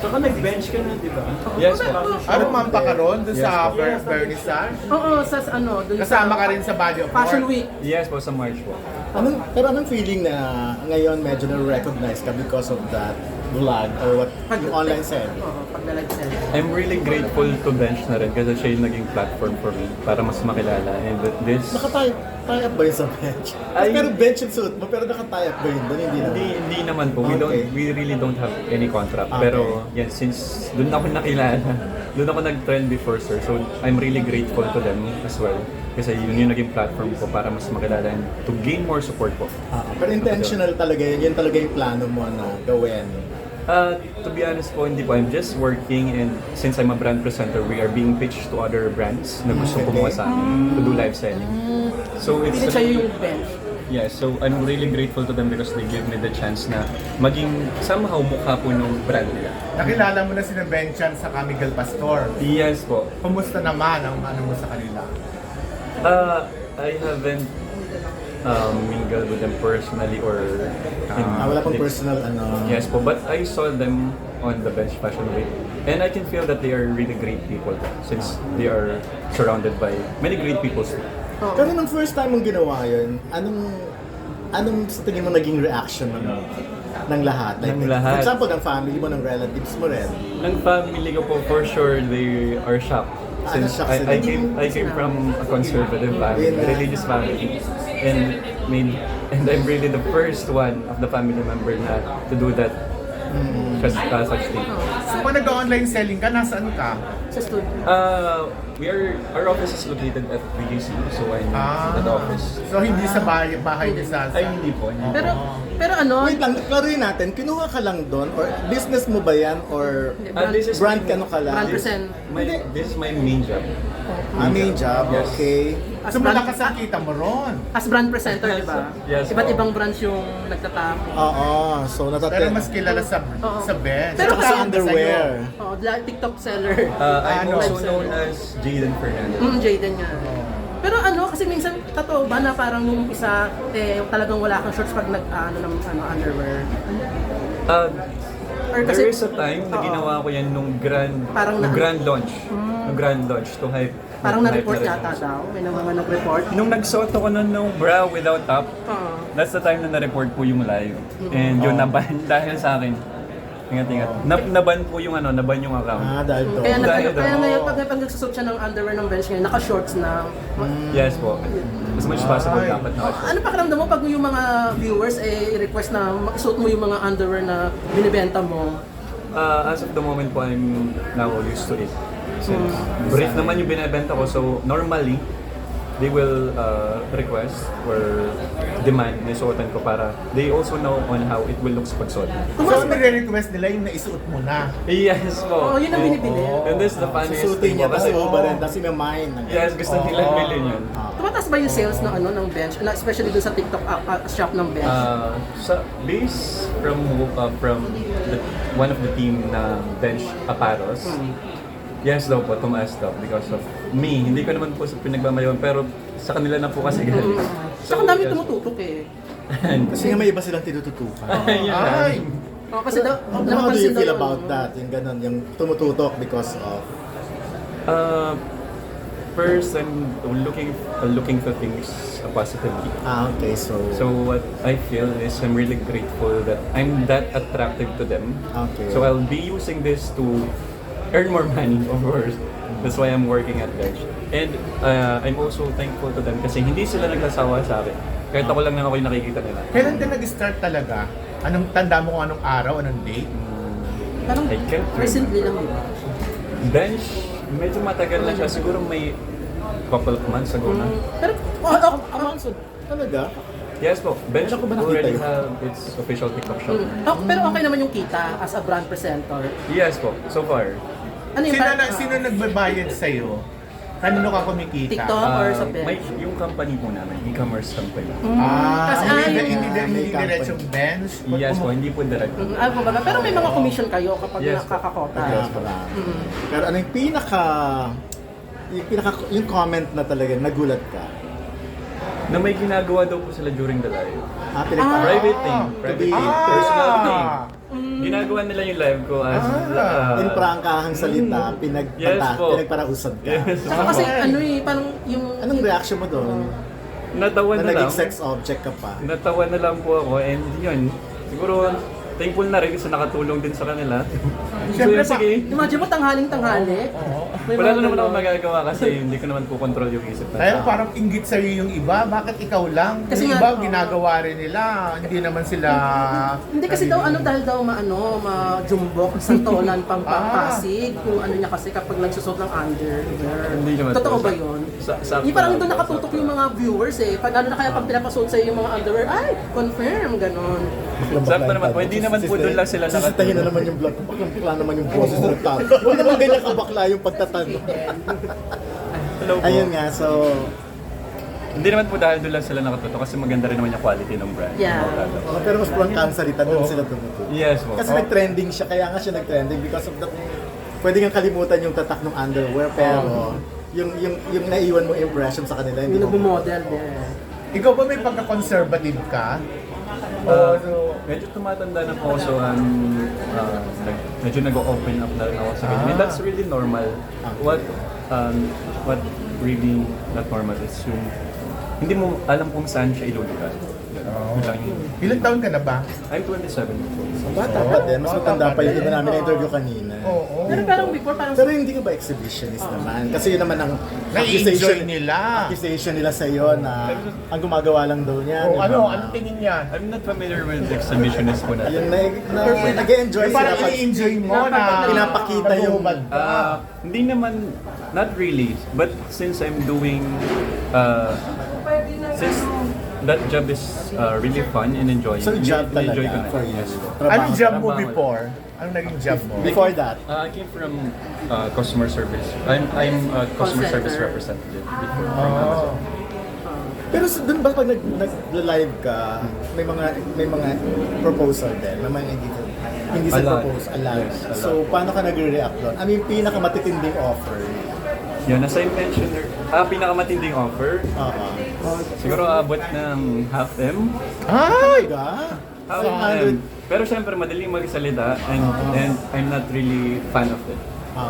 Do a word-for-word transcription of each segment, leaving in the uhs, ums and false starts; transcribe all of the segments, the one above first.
Tsaka nag-bench ka na, di ba? Yes po. Ano man pa ka ron doon Yes, sa po. Ver- Vernissage? Oo, sa ano, dun Kasama sa ka rin sa Body of Fashion Work? Week. Yes po, sa March po. Anong, pero anong feeling na ngayon medyo na-recognize ka because of that vlog or what yung online selling? Oo, pagdalag sell. I'm really grateful to Bench na rin kasi siya yung naging platform for me para mas makilala. And this... Naka-tie tie up ba yun sa bench? Ay- pero bench yung suit mo, pero naka-tie up ba yun? Doon hindi na. Hindi, hindi naman po. We don't Okay. we really don't have any contract. Okay. Pero yan, since doon ako nakilala, doon ako nag-trend before, sir. So I'm really grateful to them as well. Kasi yun yung naging platform ko para mas makilala and to gain more support po. Ah, pero intentional talaga yun. Yun talaga yung plano mo na gawin. Uh, to be honest po, hindi po. I'm just working and since I'm a brand presenter, we are being pitched to other brands na gusto Okay. kumuha sa amin to do live selling. So it's... Hindi siya yung bench. Yeah, so I'm really grateful to them because they give me the chance na maging somehow mukha po ng brand nila. Nakilala mo na si Benchan sa Camigel Pastor. Yes po. Kumusta naman ang ano mo sa kanila? Uh, I haven't um, mingled with them personally or in, Ah, wala pang personal ano. Yes po, but I saw them on the Bench Fashion Week and I can feel that they are really great people since they are surrounded by many great people too. Oo. Pero nung first time mong ginawa yun, anong anong sa tingin mo naging reaction ng ng lahat? Ng For lahat. example, ng family mo, ng relatives mo rin. Ng family ko po, for sure, they are shocked. Ah, Since na-shock I, sila. I came I came from a conservative family, Yun a na. religious family, and made and I'm really the first one of the family member na to do that such, uh, such thing. So pag nag-online selling ka, nasaan ka? Sa studio. Uh, we are our office is located at B G C, so I'm Ah. at the office. So hindi sa bahay, bahay ni Salsa? Ay hindi po. Hindi. Pero, pero ano, Wait lang, klaruhin natin, kinuha ka lang doon or business mo ba yan or Ah, this is brand my- ka ano ka lang? brand present. My, this is my main job. Ah, main job, Yes. okay. As So brand, malakas ang kita mo ron. as brand presenter, di ba? Yes, Iba't po. ibang brands yung nagtatako. Oo, so Pero natatin. mas kilala sa Oo. sa bench. Pero Saka kasi sa underwear. Oh, TikTok seller. Uh, I'm Ano? also known as Jaden Fernandez. Mm, Jaden nga. Pero ano, kasi minsan, totoo ba na parang nung isa, eh, talagang wala kang shorts pag nag, ano, ng ano, underwear? Uh, Or there is a time na Oo. ginawa ko yan nung grand Parang nung na- grand launch. Nung grand launch to hype. Parang hype na-report rin. yata daw. May naman nag-report. Nung nagsuot ako nun nung bra without top, Oo. that's the time na na-report po yung live. And yun, naban dahil sa akin. Ingat-ingat. Na, naban po yung ano, naban yung account. Ah, dahil doon. Kaya, nag, Dahil kaya daw. ngayon, pag, pag nagsusot siya ng underwear ng bench ngayon, naka-shorts na. Yes po. As much as possible, Ay. dapat na. Ano pakiramdam mo pag yung mga viewers eh i-request na makisuot mo yung mga underwear na binibenta mo? Uh, as of the moment po, I'm now used to it. Since brief naman yung binibenta ko, so normally, they will uh, request or demand na suotan ko para they also know on how it will look sa pagsuot. So nire-request nila yung naisuot mo na. Yes po. Oo, yun ang binibili. And this is the funniest Susutin thing niya, po tapos kasi, iuba rin, tapos i-mine. yes, gusto nilang bilhin yun. Tumataas ba yung sales ng ano ng bench, na especially dun sa TikTok uh, uh, shop ng bench? Uh, sa base from uh, from the, one of the team na bench Aparos, yes daw po, tumaas daw because of me. Hindi ko naman po sa pinagmamayawan, pero sa kanila na po kasi galing. Saka dami yes. tumututok eh. Kasi nga may iba silang tinututukan. Ayun na. Ay! Oh, kasi daw, How do napapansin you daw feel yun. about that? Yung ganun, yung tumututok because of... Uh, first, I'm looking uh, looking for things uh, positively. Ah, okay, so... So what I feel is I'm really grateful that I'm that attractive to them. Okay. So I'll be using this to earn more money, of course. That's why I'm working at Bench. And uh, I'm also thankful to them kasi hindi sila nagsasawa sa akin. Kahit ako lang na ako yung nakikita nila. Kailan ka nag-start talaga? Anong tanda mo kung anong araw, anong date? Parang I can't remember. recently lang, di ba? Bench, medyo matagal na siya. Siguro may couple of months ago na. Pero, oh, oh, Ah, so, talaga? Yes po, Bench Wala ko ba nakita already yun? have its official TikTok shop. mm. Oh, pero okay naman yung kita as a brand presenter. Yes po, so far. Ano yung Sino, parang, na, ah, sino nagbabayad sa'yo? Kanino ka kumikita? TikTok or Uh, sa bench? may, yung company po namin, e-commerce company. Ah, Kasi, hindi, ah, hindi, yung- hindi, Ah, may hindi diretsong bench? Yes po, hindi po direct. Mm, ah, kumbaga, pero may mga commission kayo kapag Yes. nakakakota. Ah, pala. Pero ano yung pinaka... Yung pinaka... Yung comment na talaga, nagulat ka? Na may ginagawa daw po sila during the live. Ah, pinaka... Private thing, to private be- thing, personal thing. Ah! ginagawa nila yung live ko as Ah, uh, In prangkahang salita, pinag Yes po. pinagparausad ka. Yes. Saka kasi ano eh, parang yung... Anong reaction mo doon? natawa Na na lang. naging sex object ka pa. Natawa na lang po ako and yun, siguro thankful na rin kasi nakatulong din sa kanila. So Siyempre yun, sige. Imagine mo, tanghaling-tanghali. May Wala mga na naman ako ganon. magagawa kasi hindi ko naman po control yung isip na Kaya tao. parang inggit sa'yo yung iba, bakit ikaw lang? Kasi Yung nga, iba, oo. ginagawa rin nila, hindi naman sila... Hindi kasi daw ano dahil daw maano, ma-jumbok, santolan, pampapasig. Kung ano niya kasi kapag nagsusot ng underwear. Hindi naman Totoo po. ba yun? Sa- sakto Hindi parang lang doon po, nakatutok sakto yung lang. mga viewers eh. Pag ano na kaya pag pinapasuot sa'yo yung mga underwear, ay, confirm, ganon. Sakto naman po, hindi naman po doon lang sila Sisitahin na nakatulong. naman yung vlog ko. Baklang bakla naman yung boses ng tao. Huwag naman ganyan kabakla yung pagtatanong. Hello po. Ayun nga, so... Hindi naman po dahil doon lang sila nakatuto kasi maganda rin naman yung quality ng brand. Yeah. Mga product. Oh, pero mas pulang kansarita doon sila tumutuloy. Yes po. Kasi Oh. nag-trending siya, kaya nga siya nag-trending because of that. Pwede kang kalimutan yung tatak ng underwear, pero yung yung yung naiwan mo impression sa kanila, hindi Yung mo. nag-model yeah. Ikaw ba may pagka-conservative ka? O, Uh, so, medyo tumatanda na po ako so um, uh, nag- medyo nag-open up na rin ako sa ganyan. And that's really normal. What um, what really not normal is yung hindi mo alam kung saan siya ilulugar. Oh. Yun lang yun. ilang taon ka na ba? I'm twenty-seven po. Bata pa din, mas matanda pa yun. Iba namin na-interview kanina. Oo. Pero parang before, parang Pero hindi ka ba exhibitionist naman? Kasi yun naman ang Na-enjoy nila. accusation nila sa iyo na ang gumagawa lang daw niya. O, di ba? ano, ano tingin niya? I'm not familiar with exhibitionist po Ayun, natin. na, na, nag-enjoy Eh, sila parang pag i-enjoy mo na pinapakita yung- nagubad ka. Ah, hindi naman, not really. But since I'm doing, uh, since that job is uh, really fun and enjoying. So job enjoy talaga ko na. for you. Yes. Trabaho. Anong job mo trabaho. before? Anong naging job mo? Before that, Uh, I came from uh, customer service. I'm I'm a customer Call service center. representative before from Oh. Amazon. pero sa- dun ba pag nag, nag-live ka, may mga may mga proposal din, may mga hindi hindi sa A lot. propose, a lot. Yes, a lot. So paano ka nagre-react doon? I mean, pinakamatitinding offer. Yun, as I mentioned, er- ah, pinakamatinding offer, Oo. siguro aabot ng half M. Ay! Talaga? Half one hundred. M. Pero syempre, madaling magsalita and, and I'm not really fan of it. Oo.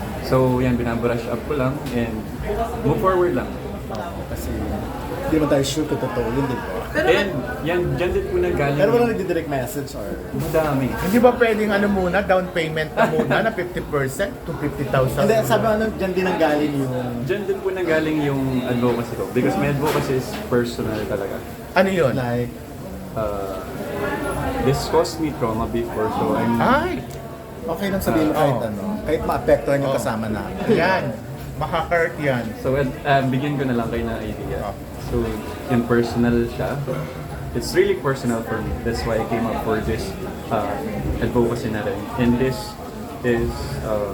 So yan, binabrush up ko lang and move forward lang. Oo, kasi hindi naman tayo sure kung totoo yun, di ba? Pero And yan, dyan din po nanggaling. Pero wala nagdi-direct message or... Madami. Hindi ba pwedeng ano muna, down payment na muna na fifty percent to fifty thousand? Hindi, sabi ano, dyan din ang galing yung... Diyan din po nanggaling yung advocacy ko. Because my advocacy is personal talaga. Ano yun? Like, Uh, this caused me trauma before, so I'm... Ay! okay lang sabihin mo kahit Oo. ano, kahit maapektuhan yung Oo. kasama namin. Yan. Maka-hurt yan. So, uh, bigyan ko na lang kayo ng idea. Oh. So, yung personal siya. It's really personal for me. That's why I came up for this uh, advocacy na rin. And this is... Uh,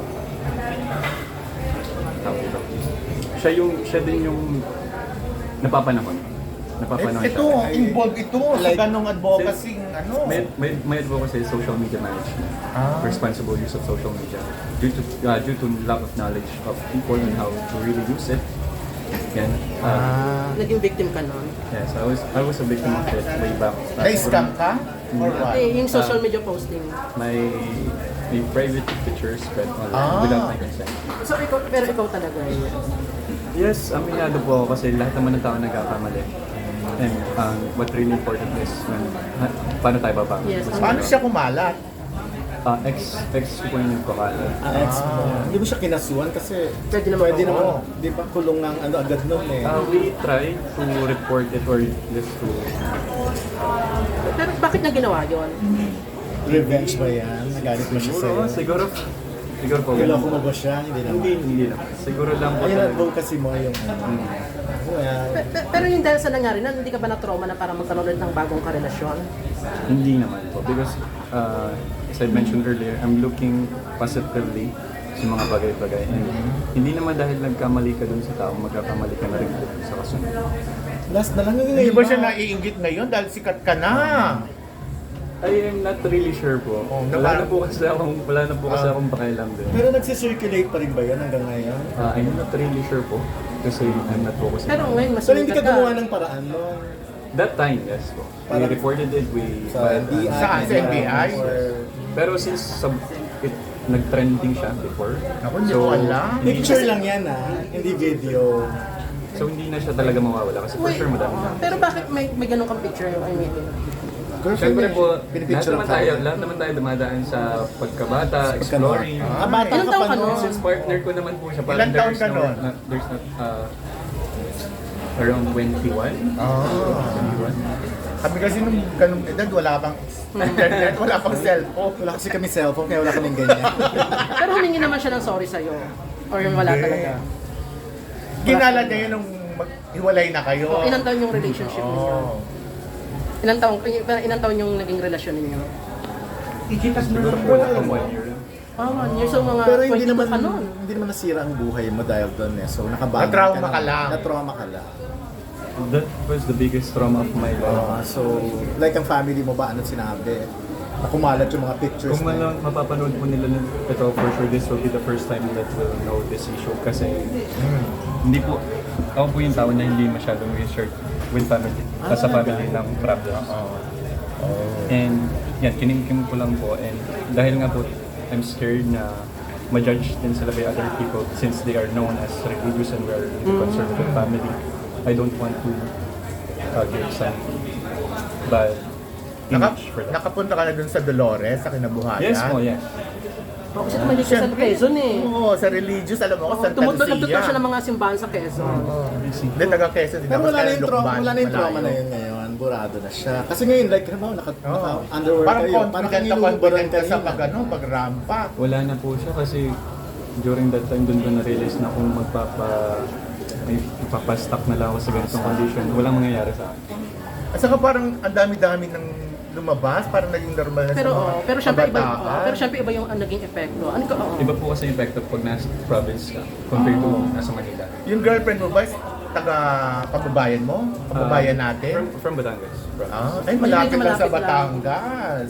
tawag ito. Siya yung, siya din yung napapanahon. Napapanahon Eh, ito, siya. involved ito Like, sa ganong advocacy, ano? May, may, may advocacy is social media management. Ah. Responsible use of social media. Due to uh, due to lack of knowledge of people and how to really use it. Yan. Uh, Ah. naging victim ka nun. Yes, I was I was a victim of it way back. Uh, Na-scam ka? Or what? Eh, yung social Ah. media posting. My my private pictures spread online Ah. without my consent. So, ikaw, pero ikaw talaga yun. Yes, aminado po ako kasi lahat naman ng tao nagkakamali. And um, what really important is when, ha, paano tayo babangon. Yes. Paano siya kumalat? Uh, ex, ex ko yung nagpakala. Ah, ex mo. Hindi mo siya kinasuhan kasi Pwede naman pwede ako. naman, di ba, kulong ng ano agad nun eh. Uh, we try to report it or just to... Pero bakit niya ginawa yun? Revenge ba yan? Nagalit mo siya sa'yo? Siguro, siguro, siguro po. Niloko mo ba siya? Hindi naman. Hindi, hindi naman. Siguro lang po Ayun, talaga. advocacy mo yung... Mm. Well, Pe- pe- Pero yung dahil sa nangyari na, hindi ka ba na-trauma na parang magkaroon ulit ng bagong karelasyon? Hindi naman po. Because, uh, as I mentioned earlier, I'm looking positively sa mga bagay-bagay. And hindi naman dahil nagkamali ka dun sa tao, magkakamali ka na rin po sa kasunod. last na lang yung Hindi ba siya naiingit ngayon dahil sikat ka na? I am not really sure po. Oh, wala naka- na po kasi akong, wala na po kasi Ah. akong pakialam din. Pero nagsisirculate pa rin ba yan hanggang ngayon? Uh, I'm not really sure po. Kasi I'm not focusing. Pero ngayon, mas So hindi ka sumikat gumawa ng paraan nun? That time, yes po. We Parang- reported it, we... Sa N B I? Saan? Sa N B I? Or Pero since sub, it, nag-trending siya before, Ako, hindi ko alam. Picture lang yan ah, hindi video. so hindi na siya talaga mawawala kasi for Wait, sure madami na. pero bakit may may ganun kang picture? I mean, Siyempre po, lahat pinipicture naman lang tayo, tayo. lahat naman tayo dumadaan sa pagkabata, exploring. Ah, bata Ilang ka taon pa ka nun. nun? Since partner ko naman po siya, Ilang taon there's ka no, nun? not, there's not, uh, around twenty-one. Oh. twenty-one. Kami kasi nung ganung edad, wala pang internet, wala pang cellphone. Wala kasi kami cellphone, kaya wala kaming ganyan. pero humingi naman siya ng sorry sa'yo. Or wala Hindi. talaga. Kinala niya yun nung maghiwalay na kayo. O, ilang taon yung relationship ninyo? Oh. Ilang taon, parang ilang taon yung naging relasyon ninyo? Siguro po na one year. Ah, one year. So mga Pero hindi twenty-two naman ka nun. hindi naman nasira ang buhay mo dahil doon eh. So nakabago Na-trauma ka lang. Na-trauma ka lang. That was the biggest trauma of my Ah, life. so like ang family mo ba ano sinabi? Na kumalat yung mga pictures Kung na man lang mapapanood po nila nun, ito for sure this will be the first time that we'll know this issue kasi hindi po, ako po yung tao na hindi masyadong research with family, Ah, sa family talaga? ng problems. Oh. And yan, kinimkim ko lang po and dahil nga po I'm scared na ma-judge din sila by other people since they are known as religious and we are a conservative family. I don't want to uh, give some bad Naka, image for that. nakapunta ka na dun sa Dolores, sa kinabuhayan? Yes po, yes. Oh, kasi tumalik ka sa Quezon eh. Oo, sa religious, alam mo, Oh, Santa tumutulog Lucia. siya ng mga simbahan sa Quezon. Hindi, taga Quezon din. Pero Tapos wala na kaya yung trauma, Lukban, wala na yung trauma malayo. na yun ngayon. Burado na siya. Kasi ngayon, like, ano, naka, Oo. naka underwear Parang kayo. Parang confident na inuubaran confident ka kayo. sa pag, ano, pag rampa. Wala na po siya kasi during that time doon ko na-realize na kung magpapa may ipapastock na lang ako sa ganitong condition, walang mangyayari sa akin. At saka parang ang dami-dami ng lumabas, parang naging normal na Pero sa mga oh, pero syempre iba, kabataan. oh, pero syempre iba yung ang naging epekto. Ano ka? Oh. Iba po kasi yung effect of pag nasa province ka compared to nasa Manila. Yung girlfriend mo ba, is taga pababayan mo? Pababayan Ah, natin? From, from Batangas. province. Ah, ay, malapit lang sa Malapit lang. Batangas.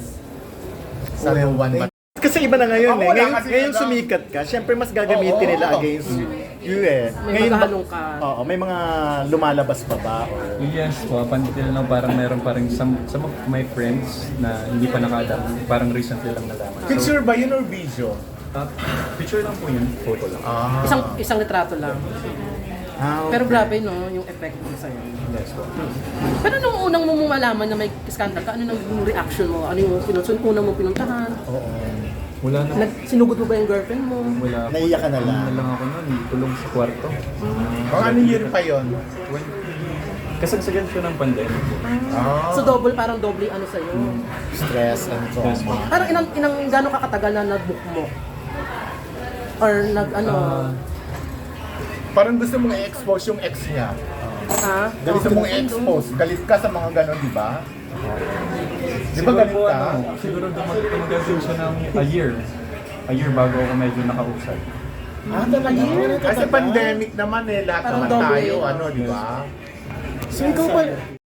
Sa Well, Luwan, eh, kasi iba na ngayon Ako eh. wala Ngayon, kasi ngayon wala. sumikat ka, syempre mas gagamitin Oo, nila oo. against you eh. May Ngayon ba- maghahalong ka. Oo, may mga lumalabas pa ba? Or, Yes po, up until now parang meron parang some, some of my friends na hindi pa nakaalam, parang recently lang nalaman. So, Picture ba yun or video? uh, picture lang po yun, photo lang. Ah. Isang isang litrato lang. ah, Pero grabe no, yung epekto sa'yo. Yes po. Pero nung unang mo malaman na may scandal ka, ano nang reaction mo? Ano yung pinunsun unang mo pinuntahan? Oo. Wala na. Nag sinugod mo ba yung girlfriend mo? Wala po. Naiyak ka na Ano lang. na lang ako nun, tulong sa kwarto. Mga anong year pa yun? twenty Kasagsagan siya ng pandemic. Ah. So double parang double ano sa'yo. stress and Yes po. trauma. Parang inang inang gaano ka katagal na nag-book mo? Or nag ano? Ah, Parang gusto mong i-expose yung ex niya. ha? Gusto mong i-expose. Galit ka sa mga ganon, di ba? Di ba siguro galit po, ka? ano, siguro dumag- tumagal din siya ng a year. A year bago ako medyo nakausap. Ah, talaga? Kasi pandemic naman eh, lahat Parang naman double tayo, eh. ano, di ba? So ikaw ba,